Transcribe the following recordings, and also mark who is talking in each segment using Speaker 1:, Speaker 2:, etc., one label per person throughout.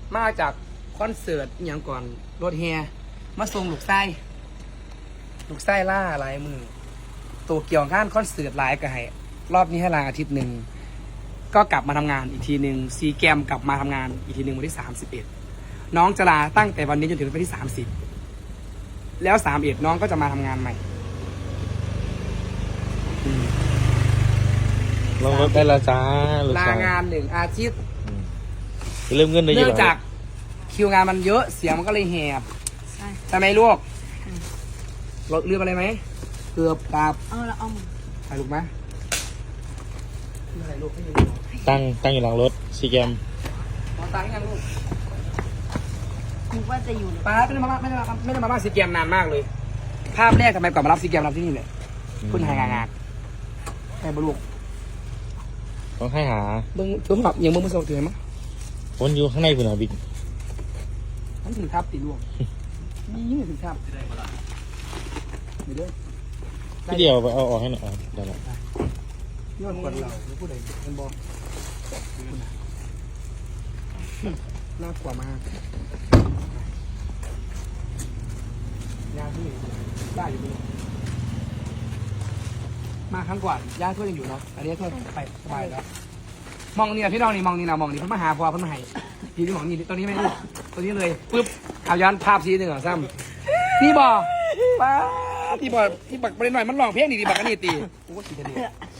Speaker 1: มาจากคอนเสิร์ตอย่างก่อนรถแฮมาส่งลูกไส้ล่าหลายมือตัวเกี่ยวงานคอนเสิร์ตหลายก็ให้รอบนี้ให้ลาอาทิตย์หนึ่งก็กลับมาทำงานอีกทีหนึ่งซีแกมกลับมาทำงานอีกทีหนึ่งวันที่31น้องจะลาตั้งแต่วันนี้จนถึงวันที่30แล้ว31น้องก็จะมาทำงานใหม่
Speaker 2: ลงรถได้แล้วจ้า
Speaker 1: ลางาน1อาทิตย์
Speaker 2: เริ่มเงินได้เยอะเนื่
Speaker 1: องจากคิวงานมันเยอะเสียงมันก็เลยแหบใช่ไหมลูกรถเรืออะไรไหมเกือบกับ
Speaker 3: แล้วเอามือ
Speaker 1: ถ่ายลูกไหมอะไรลูกไม่มี
Speaker 2: ตั้งอยู่หลังรถซีแกม
Speaker 1: มอตังยังลูก
Speaker 3: นึกว่าจะอยู่
Speaker 1: ป้าไม่ได้มาบ้านซีแกมนานมากเลยภาพแรกทำไมก่อนมารับซีแกมรับที่นี่เลยคุณหายงานใช่บลูก
Speaker 2: ต้องให้หา
Speaker 1: เบิ้งถือหอบอย่างเบิ้งมือสองถือมั้ง
Speaker 2: คนอยู่ข้างในคุณเหรอบิ๊ก
Speaker 1: มันถึงทับตีลูกนี่ถึงทับ
Speaker 2: พี่เดียวไปเอาออกให้หน่อยได้แล้ว
Speaker 1: ยอดคนเราพูดอะไรเป็นบอลน่ากลัวมากยาที่ได้อยู่มาครั้งก่อนยาทั่วยังอยู่เนาะอันนี้ทั่วไปสบายแล้วมองนี่นะพี่น้องนี่มองนี่นะมองนี่เพิ่งมาหาพอเพิ่งมาให้ทีนี้มองนี่ตัวนี้ไม่รู้ตัวนี้เลยปึ๊บเอาย้อนภาพซีหนึ่งอ่ะซ้ำนี่บอกป้าที่บอกประเด็นหน่อยมันลองเพลงนี่ดีบอกกันนี่ตีโอ้สีทะเล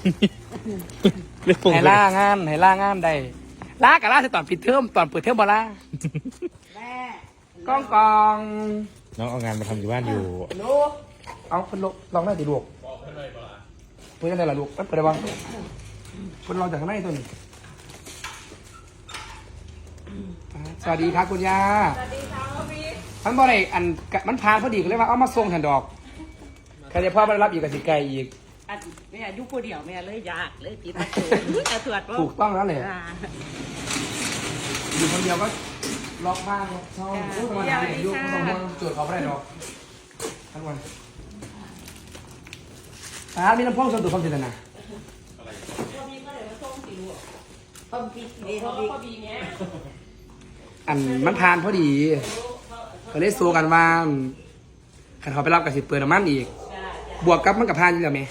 Speaker 1: ให้ล่างานได้ล่ากับล่าจะตอนปิดเทอมตอนเปิดเทอมบ่ล่าแม่กอง
Speaker 2: น้องเอางานมาทำอยู่บ้านอยู่
Speaker 1: เอาคนลองได้ตีลูกเพื่อนอะไรล่ะลูกเปิดได้บ้างคนลองจากข้างในตัวนี้สวัสดีครับคุณย่าสวัสดีครับพี่มันบ่ได้อันมันพานพอดีก็เลยว่าเอามาส่งแทนดอกใครจะพ่อมารับอีกกับสิไก่อีก
Speaker 3: แม่ยุคผู้เดียวแม่เลยยากเลยติดแต่ตรวจ
Speaker 1: ถูกต้องแล้วเลยอยู่คนเดียวก็ล็อกบ้านล็อกช่องรู้ประมาณไหนยุคต้องมองโจทย์เขาไม่ได้ดอกทั้งวันมีน้ำพ่องส่วนตัวความเจตนาอันมันพานพอดีก็เลยสู้กันว่าขันเขาไปรับกับสิเปิดน้ำมันอีกบวกกับมันกับพานอยู่แล้วไหม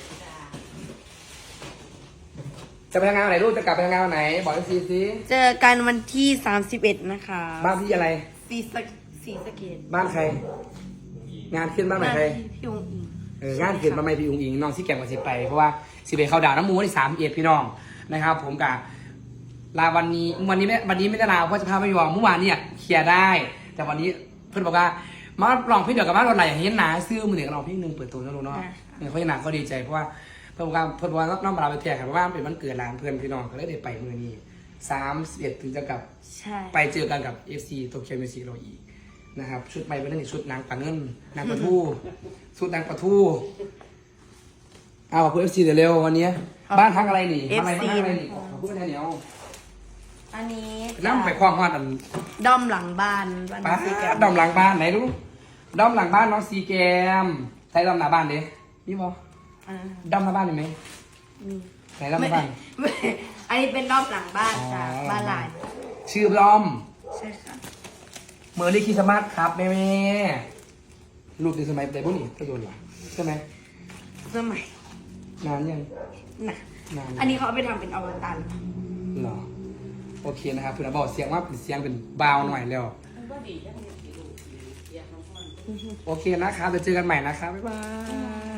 Speaker 1: จะไปทำงานวันไหนลูกจะกลับไปทำงานวันไหนบอกซีซี
Speaker 3: เจอกันวันที่31นะคะ
Speaker 1: บ้านที่อะไร
Speaker 3: สีสะเกษ
Speaker 1: บ้านใครงานขึ้นบ้านไหนใคร
Speaker 3: พี่องอิง
Speaker 1: งานขึ้นบ้านไม่พี่องอิงน้องที่แก่งวันสิไปเพราะว่าสิไปเขาด่าน้ำมูที่31พี่น้องนะครับผมกับลาวันนี้ไม่ได้ลาเพราะจะพาไปยองเมื่อวานเนี่ยเคลียร์ได้แต่วันนี้เพื่อนบอกว่ามาลองเพลงเดียวกับบ้านวันไหนเห็นหนาซื้อมือเด็กลองเพลงหนึ่งเปิดตัวแล้วรู้เนาะเขาจะหนาเขาดีใจเพราะว่าเพื่อนบอกว่าน้องมาเราไปแจกเพราะว่าเป็นวันเกิดร้านเพื่อนพี่น้องก็เลยได้ไปมือนี้31ถึงจะกลับไปเจอกันกับ FC โตเกียวมิวสิกเราอีกนะครับชุดใหม่เป็นชุดนางปลาเงินนางปลาทูชุดนางปลาทูเอาขอบคุณ FC เร็ววันนี้บ้านทักอะไรนี่บ้านอะไรนี่ขอบคุณแทนเหนียว
Speaker 3: อันนี้
Speaker 1: น้ำไปคว้างฮอดอัน
Speaker 3: ด้อมหลังบ้าน
Speaker 1: ด้อมหลังบ้านไหนรู้ด้อมหลังบ้านน้องซีแกมใช้ด้อมหน้าบ้านดินี่บอด้อมหน้าบ้านเห็นไหมไหนด้อมหน้าบ้าน
Speaker 3: อันนี้เป็นด้อมหลังบ้านจ้ะบ้านหลาน
Speaker 1: ชื่อด้อม
Speaker 3: ใช่ค่ะ
Speaker 1: เมอร์รี่คริสต์มาสครับแม่รูปในสมัยแต่พวกนี้ก็โดนหรอใช่ไหม
Speaker 3: สมัย
Speaker 1: นานยัง
Speaker 3: นานอันนี้เขาไปทำเป็นอวตาร
Speaker 1: หรอโอเคนะครับเพื่อนบอกเสียงว่าเป็นเสียงเป็นบาวหน่อยแล้วโอเคนะครับเดี๋ยวเจอกันใหม่นะครับบ๊ายบาย